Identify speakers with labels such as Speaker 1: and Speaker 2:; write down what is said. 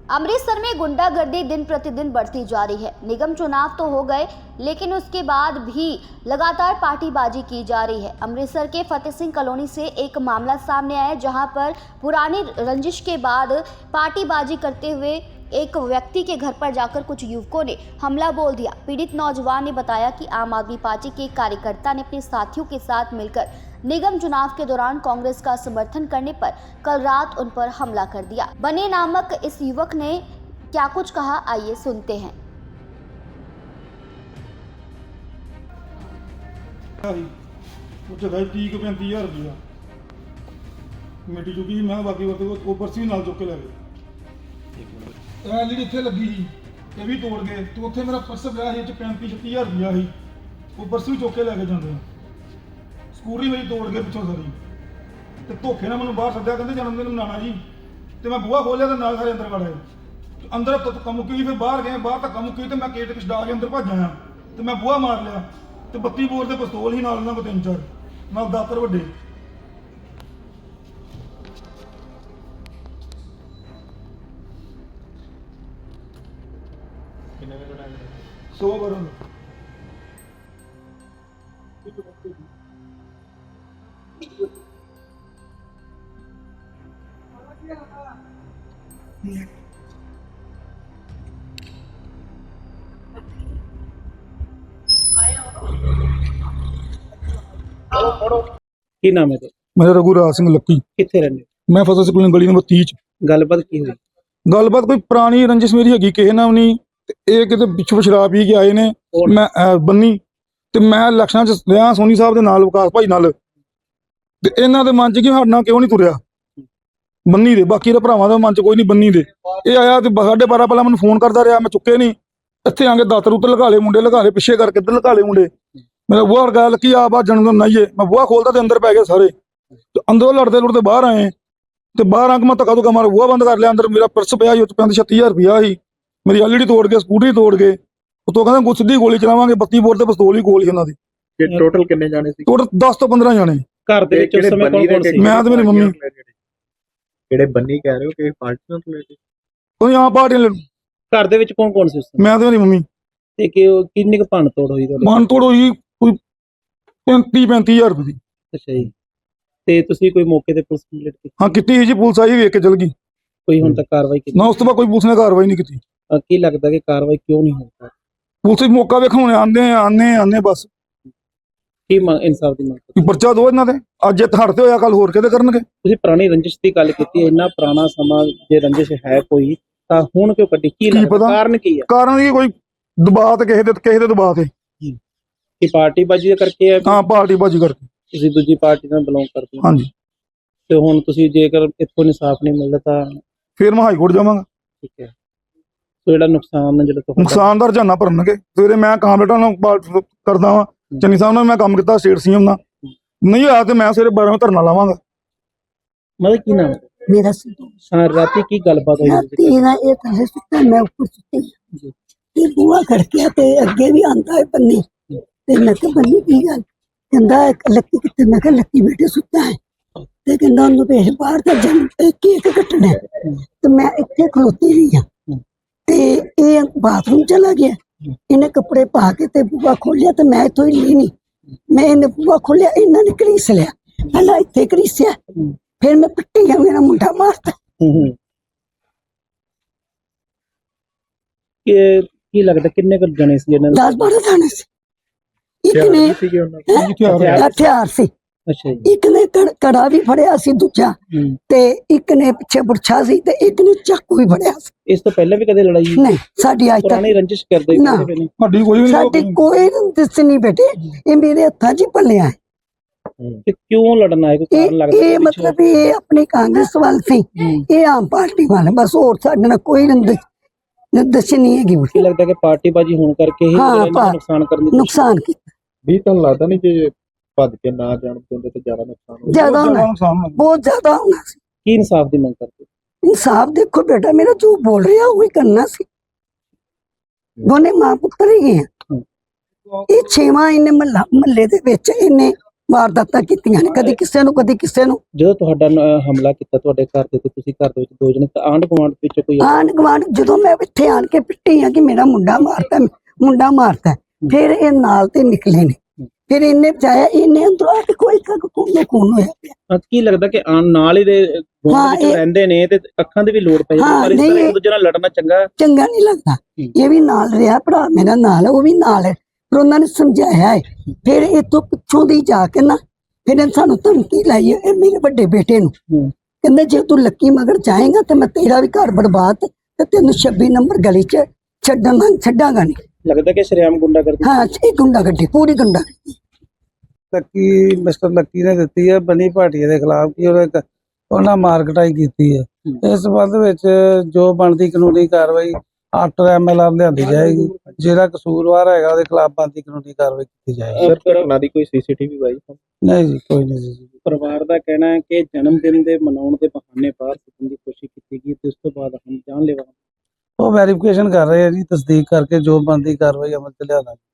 Speaker 1: अमृतसर में गुंडागर्दी दिन प्रतिदिन बढ़ती जा रही है। निगम चुनाव तो हो गए, लेकिन उसके बाद भी लगातार पार्टीबाजी की जा रही है। अमृतसर के फतेह सिंह कॉलोनी से एक मामला सामने आया, जहां पर पुरानी रंजिश के बाद पार्टीबाजी करते हुए एक व्यक्ति के घर पर जाकर कुछ युवकों ने हमला बोल दिया। पीड़ित नौजवान ने बताया कि आम आदमी पार्टी के एक कार्यकर्ता ने अपने साथियों के साथ मिलकर निगम चुनाव के दौरान कांग्रेस का समर्थन करने पर कल रात उन पर हमला कर दिया। बने नामक इस युवक ने क्या कुछ कहा, आइए सुनते हैं।
Speaker 2: ਉੱਥੇ ਗਏ 30 35,000 ਰੁਪਇਆ ਕਮੇਟੀ ਚੁੱਕੀ। ਮੈਂ ਬਾਕੀ ਉਹ ਪਰਚੀ ਵੀ ਨਾਲ ਚੁੱਕ ਕੇ ਲੈ ਗਏ। ਇਹ ਜਿਹੜੀ ਇੱਥੇ ਲੱਗੀ ਸੀ ਇਹ ਵੀ ਤੋੜ ਗਏ ਤੇ ਉੱਥੇ ਮੇਰਾ ਪਰਸ ਪਿਆ ਸੀ, ਇਹ 'ਚ 35-36,000 ਰੁਪਇਆ ਸੀ। ਉਹ ਪਰਸ ਵੀ ਚੁੱਕ ਕੇ ਲੈ ਕੇ ਜਾਂਦੇ ਆ। ਸਕੂਟਰੀ ਮੇਰੀ ਤੋੜ ਗਏ ਪਿੱਛੋਂ ਸਾਰੀ, ਤੇ ਧੋਖੇ ਨਾਲ ਮੈਨੂੰ ਬਾਹਰ ਸੱਦਿਆ, ਕਹਿੰਦੇ ਜਨਮ ਦਿਨ ਮਨਾਉਣਾ ਜੀ। ਤੇ ਮੈਂ ਬੂਹਾ ਖੋਲਿਆ ਤੇ ਨਾਲ ਸਾਰੇ ਅੰਦਰ ਵੜ ਆਏ। ਅੰਦਰ ਧੱਕਾ ਮੁੱਕੀ, ਫਿਰ ਬਾਹਰ ਗਏ, ਬਾਹਰ ਧੱਕਾ ਮੁੱਕੀ ਤੇ ਮੈਂ ਗੇਟ ਛਡਾ ਕੇ ਅੰਦਰ ਭੱਜ ਆਇਆ ਤੇ ਮੈਂ ਬੂਹਾ ਮਾਰ ਲਿਆ ਤੇ 32 ਬੋਰ ਦੇ ਪਿਸਤੌਲ ਹੀ ਨਾਲ ਇਹਨਾਂ ਕੋਲ 3-4 ਨਾਲ ਦਾਤਰ ਵੱਡੇ।
Speaker 3: ਕਿੰਨੇ ਵਜੇ ਦਾ
Speaker 2: 100 ਬਰਨ
Speaker 3: ਕੀ ਨਾਮ ਹੈ ਤੁਹਾਡਾ?
Speaker 2: ਮੇਰਾ ਰਘੂਰਾਜ ਸਿੰਘ ਲੱਕੀ।
Speaker 3: ਕਿੱਥੇ ਰਹਿੰਦੇ ਹੋ?
Speaker 2: ਮੈਂ ਫਤਿਹ ਸਿੰਘ ਗਲੀ ਨੰਬਰ 30 ਚ।
Speaker 3: ਗੱਲਬਾਤ ਕੀ ਹੋਈ?
Speaker 2: ਗੱਲਬਾਤ ਕੋਈ ਪੁਰਾਣੀ ਰੰਜਿਸ਼ ਮੇਰੀ ਹੈਗੀ ਕਿਸੇ ਨਾਲ ਨਹੀਂ। ਤੇ ਇਹ ਕਿਤੇ ਪਿੱਛੋਂ ਸ਼ਰਾਬ ਪੀ ਕੇ ਆਏ ਨੇ। ਮੈਂ ਬੰਨੀ ਤੇ ਮੈਂ ਇਲੈਕਸ਼ਨਾਂ ਚ ਰਿਹਾ ਸੋਨੀ ਸਾਹਿਬ ਦੇ ਨਾਲ, ਵਿਕਾਸ ਭਾਈ ਨਾਲ। ਤੇ ਇਹਨਾਂ ਦੇ ਮਨ ਚ ਕਿ ਸਾਡੇ ਨਾਲ ਕਿਉਂ ਨਹੀਂ ਤੁਰਿਆ ਬੰਨੀ ਦੇ। ਬਾਕੀ ਦੇ ਭਰਾਵਾਂ ਦੇ ਮਨ ਚ ਕੋਈ ਨਹੀਂ ਬੰਨੀ ਦੇ। ਇਹ ਆਇਆ ਤੇ 12:30 ਪਹਿਲਾਂ ਮੈਨੂੰ ਫੋਨ ਕਰਦਾ ਰਿਹਾ, ਮੈਂ ਚੁੱਕੇ ਨਹੀਂ। ਇੱਥੇ ਆ ਕੇ ਦਾਤਰ ਉੱਤੇ ਲਗਾ ਲਏ ਮੁੰਡੇ, ਲਗਾ ਲਏ ਪਿੱਛੇ ਕਰਕੇ ਇੱਧਰ ਲਗਾ ਲਏ ਮੁੰਡੇ। ਮੇਰਾ ਬੂਹਾ ਅੜਗਾ ਲੱਕੀ ਆ ਬਾ ਜਨਮ ਨਾਈਏ। ਮੈਂ ਬੂਹਾ ਖੋਲਦਾ ਤੇ ਅੰਦਰ ਪੈ ਗਏ ਸਾਰੇ। ਤੇ ਅੰਦਰੋਂ ਲੜਦੇ ਲੁੜਦੇ ਬਾਹਰ ਆਏ ਤੇ ਬਾਹਰ ਆ ਕੇ ਮੈਂ ਧੱਕਾ ਧੁੱਕਾ ਮਾਰ ਬੂਹਾ ਬੰਦ ਕਰ ਲਿਆ। ਅੰਦਰ ਮੇਰਾ ਪਰਸ ਪਿਆ ਸੀ, ਉਹ 'ਚ 35,000 ਰੁਪਇਆ ਸੀ। ਮੇਰੀ ਐਲਈਡੀ ਤੋੜ ਕੇ, ਸਕੂਟਰੀ ਤੋੜ ਕੇ। ਉਤੋਂ ਕਹਿੰਦਾ ਸਿੱਧੀ ਗੋਲੀ ਚਲਾਵਾਂਗੇ। 32 ਬੋਰ ਤੇ ਪਿਸਤੌਲ ਹੀ ਕੋਲ ਸੀ ਉਹਨਾਂ ਦੀ।
Speaker 3: ਟੋਟਲ ਕਿੰਨੇ ਜਾਣੇ ਸੀ?
Speaker 2: ਟੋਟਲ 10 ਤੋਂ 15 ਜਾਣੇ।
Speaker 3: ਘਰ ਦੇ ਵਿੱਚ ਉਸ ਸਮੇਂ ਕੌਣ ਕੌਣ ਸੀ?
Speaker 2: ਮੈਂ ਤੇ ਮੇਰੀ ਮੰਮੀ।
Speaker 3: ਜਿਹੜੇ ਬੰਨੀ ਕਹਿ ਰਹੇ ਹੋ ਕਿ ਪਾਰਟੀ ਨਾਲ ਰਿਲੇਟਡ?
Speaker 2: ਕੋਈ ਆ ਪਾਰਟੀ
Speaker 3: ਘਰ ਦੇ ਵਿੱਚ ਕੌਣ ਕੌਣ ਸੀ ਉਸ ਸਮੇਂ?
Speaker 2: ਮੈਂ ਤੇ ਮੇਰੀ ਮੰਮੀ।
Speaker 3: ਤੇ ਕਿੰਨੀ ਕੁ ਭੰਨ ਤੋੜ ਹੋਈ ਤੁਹਾਡੀ?
Speaker 2: ਮਨ ਤੋੜ ਹੋਈ ਕੋਈ 35,000 ਰੁਪਏ ਦੀ।
Speaker 3: ਅੱਛਾ ਜੀ। ਤੇ ਤੁਸੀਂ ਕੋਈ ਮੌਕੇ ਤੇ ਪੁਲਿਸ ਕੰਪਲੀਟ ਕੀਤੀ?
Speaker 2: ਹਾਂ ਕੀਤੀ ਸੀ ਜੀ, ਪੁਲਿਸ ਆਈ ਵੇਖ ਕੇ ਚਲ ਗਈ।
Speaker 3: ਕੋਈ ਹੁਣ ਤੱਕ ਕਾਰਵਾਈ ਕੀਤੀ?
Speaker 2: ਨਾ ਉਸ ਤੋਂ ਬਾਅਦ ਕੋਈ ਪੁਲਿਸ ਨੇ ਕਾਰਵਾਈ ਨਹੀਂ ਕੀਤੀ।
Speaker 3: ਕੀ ਲੱਗਦਾ ਕਿ ਕਾਰਵਾਈ ਕਿਉਂ ਨਹੀਂ ਹੋਈ?
Speaker 2: ਪੁਲਿਸ ਮੌਕਾ ਵੇਖਣ ਆਉਂਦੇ ਬਸ।
Speaker 3: ਕੀ ਇਨਸਾਫ ਦੀ ਮੰਗ ਕਰਦੇ?
Speaker 2: ਕੋਈ ਪਰਚਾ ਦੋ ਇਹਨਾਂ ਦੇ। ਅੱਜ ਇਹ ਹੜਤੇ ਹੋਇਆ, ਕੱਲ ਹੋਰ ਕਿਤੇ ਕਰਨਗੇ।
Speaker 3: ਤੁਸੀਂ ਪੁਰਾਣੀ ਰੰਜਿਸ਼ ਦੀ ਗੱਲ ਕੀਤੀ ਹੈ, ਇੰਨਾ ਪੁਰਾਣਾ ਸਮਾਂ ਜੇ ਰੰਜਿਸ਼ ਹੈ ਕੋਈ ਤਾਂ ਹੁਣ ਕਿਉਂ ਕੱਢੀ? ਕੀ ਲੱਗਦਾ ਕਾਰਨ ਕੀ ਹੈ?
Speaker 2: ਕਾਰਨ ਕੀ ਕੋਈ ਦਬਾਅ ਤੇ ਕਿਸੇ ਦੇ ਦਬਾਅ ਤੇ
Speaker 3: ਕਿ ਪਾਰਟੀਬਾਜ਼ੀ ਦੇ ਕਰਕੇ ਹੈ?
Speaker 2: ਹਾਂ ਪਾਰਟੀਬਾਜ਼ੀ ਕਰਕੇ।
Speaker 3: ਤੁਸੀਂ ਦੂਜੀ ਪਾਰਟੀ ਨਾਲ ਬਿਲੋਂਗ ਕਰਦੇ ਹੋ?
Speaker 2: ਹਾਂਜੀ।
Speaker 3: ਤੇ ਹੁਣ ਤੁਸੀਂ ਜੇਕਰ ਇੱਥੋਂ ਇਨਸਾਫ ਨਹੀਂ ਮਿਲਦਾ ਤਾਂ
Speaker 2: ਫਿਰ ਮੈਂ ਹਾਈ ਕੋਰਟ ਜਾਵਾਂਗਾ।
Speaker 3: ਠੀਕ ਹੈ। ਸੋ ਜਿਹੜਾ ਨੁਕਸਾਨ ਹੈ, ਜਿਹੜਾ ਤੁਹਾਡਾ
Speaker 2: ਨੁਕਸਾਨ ਦਾ ਰੁਝਾਨਾ ਭਰਨਗੇ। ਸਵੇਰੇ ਮੈਂ ਕਾਮਰੇਟਾਂ ਨਾਲ ਕਰਦਾ ਵਾਂ, ਚੰਨੀ ਸਾਹਿਬ ਨਾਲ ਮੈਂ ਕੰਮ ਕੀਤਾ, ਸਟੇਟ ਸੀਐਮ ਨਾਲ। ਨਹੀਂ ਹੋਇਆ ਤੇ ਮੈਂ ਸਵੇਰੇ 12 ਵਜੇ ਧਰਨਾ ਲਾਵਾਂਗਾ।
Speaker 3: ਮਤਲਬ ਕੀ ਨਾਮ
Speaker 4: मेरा
Speaker 3: ਰਾਤੀ ਕੀ ਗੱਲਬਾਤ ਹੋਈ?
Speaker 4: मैं ऊपर सुती ते बुआ खड़किया ते अगे भी आंदा है बन्नी ते मैं कहा बन्नी की गल कहंदा लक्की कित्थे? मैं कहा लक्की बेटे सुता है ते कहंदा ओनू भेज बाहर ते जन केक कटना है। ते मैं इत्थे खलोती रही हां ते ये बाथरूम चला गया। इन्हें कपड़े पा के ते बुआ खोलिया ते मैं इत्थों हिली नहीं। मैं इन्हें बुआ खोलिया, इन्हां ने घड़ीस लिया। पहला इत्थे घड़ीसिया, फिर मैं पिट्टी गया, मेरा मुंडा मारता।
Speaker 3: ਕੀ ਲੱਗਦਾ ਕਿੰਨੇ ਕੁ ਜਣੇ ਸੀ ਇਹਨਾਂ
Speaker 4: 10-12 ਜਾਣੇ ਸੀ। ਇੱਕ ਨੇ ਹਥਿਆਰ ਸੀ।
Speaker 3: ਅੱਛਾ ਜੀ।
Speaker 4: ਇੱਕ ਨੇ ਕੜਾ ਵੀ ਫੜਿਆ ਸੀ ਦੂਜਾ, ਤੇ ਇੱਕ ਨੇ ਪਿੱਛੇ ਬੁਰਛਾ ਸੀ ਤੇ ਇੱਕ ਨੇ ਚਾਕੂ ਵੀ ਫੜਿਆ ਸੀ।
Speaker 3: ਇਸ ਤੋਂ ਪਹਿਲਾਂ ਵੀ ਕਦੇ ਲੜਾਈ?
Speaker 4: ਨਹੀਂ, ਸਾਡੀ ਅੱਜ ਤੱਕ
Speaker 3: ਪੁਰਾਣੀ ਰੰਜਿਸ਼ ਕਰਦੇ
Speaker 4: ਨਾ। ਸਾਡੀ ਕੋਈ ਰੰਜਿਸ਼ ਨਹੀਂ ਬੇਟੇ, ਇਹ ਮੇਰੇ ਹੱਥਾਂ 'ਚ ਹੀ ਪਲਿਆ ਹੈ।
Speaker 3: ਤੇ ਕਿਉਂ ਲੜਨਾ ਹੈ? ਕੋਈ ਕਾਰਨ ਲੱਗਦਾ?
Speaker 4: ਇਹ ਮਤਲਬ ਇਹ ਆਪਣੀ ਕਾਂਗਰਸ ਵੱਲ ਸੀ, ਇਹ ਆਮ ਪਾਰਟੀ ਵੱਲ, ਬਸ ਹੋਰ ਸਾਡੇ ਨਾਲ ਕੋਈ ਰੰਜਿਸ਼ ਨਹੀਂ ਹੈਗੀ।
Speaker 3: ਕੀ ਲੱਗਦਾ ਕਿ ਪਾਰਟੀਬਾਜ਼ੀ ਹੋਣ ਕਰਕੇ ਹੀ ਨੁਕਸਾਨ ਕਰਨ ਦੀ
Speaker 4: ਨੁਕਸਾਨ ਕੀਤਾ?
Speaker 3: ਵੀ ਤੁਹਾਨੂੰ ਲੱਗਦਾ ਨਹੀਂ ਜੇ ਭੱਜ ਕੇ ਨਾ ਜਾਣ ਦਿੰਦੇ ਤਾਂ ਜ਼ਿਆਦਾ ਨੁਕਸਾਨ ਹੋਣਾ?
Speaker 4: ਜ਼ਿਆਦਾ ਬਹੁਤ ਜ਼ਿਆਦਾ ਹੋਣਾ ਸੀ।
Speaker 3: ਕੀ ਇਨਸਾਫ ਦੀ ਮੰਗ ਕਰਦੇ?
Speaker 4: इंसाफ देखो बेटा, मेरा जो बोल रहा है वही करना सी। दोने मां पुत्र ही हैं। ये 6वां इन्हें महल्ले दे विच इन्हें ਵਾਰਦਾਤਾਂ ਕੀਤੀਆਂ ਨੇ, ਕਦੀ ਕਿਸੇ ਨੂੰ ਕਦੀ ਕਿਸੇ ਨੂੰ।
Speaker 3: ਜਦੋਂ ਤੁਹਾਡਾ ਹਮਲਾ ਕੀਤਾ ਤੁਹਾਡੇ ਘਰ ਦੇ ਤੇ ਤੁਸੀਂ ਘਰ ਦੇ ਵਿੱਚ 2 ਜਣੇ ਤਾਂ ਆਂਢ ਗੁਆਂਢ ਵਿੱਚ ਕੋਈ
Speaker 4: ਆਂਢ ਗੁਆਂਢ ਜਦੋਂ ਮੈਂ ਇੱਥੇ ਆਣ ਕੇ ਪਿੱਟੀ ਆ ਕਿ ਮੇਰਾ ਮੁੰਡਾ ਮਾਰਤਾ, ਫਿਰ ਇਹ ਨਾਲ ਤੇ ਨਿਕਲੇ ਨੇ, ਫਿਰ ਇਹਨੇ ਬਚਾਇਆ, ਇਹਨੇ ਅੰਦਰੋਂ ਆ ਕੇ ਕੋਈ ਖੂਨ ਹੋਇਆ ਪਿਆ।
Speaker 3: ਕੀ ਲੱਗਦਾ ਕਿ ਨਾਲ ਹੀ ਦੇ ਗੁਆਂਢ ਵਿੱਚ ਰਹਿੰਦੇ ਨੇ ਤੇ ਅੱਖਾਂ ਦੀ ਵੀ ਲੋੜ ਪੈ ਜਾਂਦੀ, ਪਰ ਇਸ ਤਰ੍ਹਾਂ ਇੱਕ ਦੂਜੇ ਨਾਲ ਲੜਨਾ
Speaker 4: ਚੰਗਾ ਨਹੀਂ ਲੱਗਦਾ। ਇਹ ਵੀ ਨਾਲ ਰਿਹਾ, ਭਰਾ ਮੇਰਾ ਨਾਲ, ਉਹ ਵੀ ਨਾਲ ਹੈ, ਪਰ ਉਹਨਾਂ ਨੇ ਸਮਝਾਇਆ ਹੈ। ਫਿਰ ਇਤੋਂ ਪਿੱਛੋਂ ਦੀ ਜਾ ਕੇ ਨਾ ਫਿਰ ਇਹਨੇ ਸਾਨੂੰ ਧਮਕੀ ਲਾਈ ਹੈ, ਇਹ ਮੇਰੇ ਵੱਡੇ ਬੇਟੇ ਨੂੰ, ਕਹਿੰਦੇ ਜੇ ਤੂੰ ਲੱਕੀ ਮਗਰ ਜਾਏਗਾ ਤੇ ਮੈਂ ਤੇਰਾ ਵੀ ਘਰ ਬਰਬਾਦ ਤੇ ਤੈਨੂੰ 26 ਨੰਬਰ ਗਲੀ 'ਚ ਛੱਡਾਂਗਾ ਨਹੀਂ।
Speaker 3: ਲੱਗਦਾ ਕਿ ਸ਼ਰੇਆਮ ਗੁੰਡਾਗਰਦੀ।
Speaker 4: ਹਾਂ, ਇਹ ਗੁੰਡਾਗਰਦੀ, ਪੂਰੀ ਗੁੰਡਾਗਰਦੀ।
Speaker 5: ਲੱਕੀ ਮਿਸਟਰ ਲੱਕੀ ਨੇ ਦਿੱਤੀ ਹੈ ਬਨੀ ਭਾਟੀਆ ਦੇ ਖਿਲਾਫ ਕਿ ਉਹਨਾਂ ਮਾਰਕਟਾਈ ਕੀਤੀ ਹੈ। ਇਸ ਸੰਬੰਧ ਵਿੱਚ ਜੋ ਬਣਦੀ ਕਾਨੂੰਨੀ ਕਾਰਵਾਈ ਆਫਟਰ MLR ਲਿਆਂਦੀ ਜਾਏਗੀ। ਜਿਹੜਾ ਕਸੂਰਵਾਰ ਹੈਗਾ ਉਹਦੇ ਖਿਲਾਫ ਬਣਦੀ ਕਾਨੂੰਨੀ ਕਾਰਵਾਈ ਕੀਤੀ ਜਾਏਗੀ।
Speaker 3: ਸਰ, ਘਟਨਾ ਦੀ ਕੋਈ CCTV ਬਾਈ?
Speaker 5: ਨਹੀਂ ਜੀ, ਕੋਈ ਨਹੀਂ ਜੀ।
Speaker 3: ਪਰਿਵਾਰ ਦਾ ਕਹਿਣਾ ਹੈ ਕਿ ਜਨਮ ਦਿਨ ਦੇ ਮਨਾਉਣ ਦੇ ਬਹਾਨੇ ਬਾਹਰ ਸੁੱਟਣ ਦੀ ਕੋਸ਼ਿਸ਼ ਕੀਤੀ ਗਈ ਤੇ ਉਸ ਤੋਂ ਬਾਅਦ ਹਮ ਜਾਨਲੇਵਾ।
Speaker 5: ਉਹ ਵੈਰੀਫਿਕੇਸ਼ਨ ਕਰ ਰਹੇ ਆ ਜੀ, ਤਸਦੀਕ ਕਰਕੇ ਜੋ ਬਣਦੀ ਕਾਰਵਾਈ ਅਮਲ ਚ ਲਿਆਣਾ।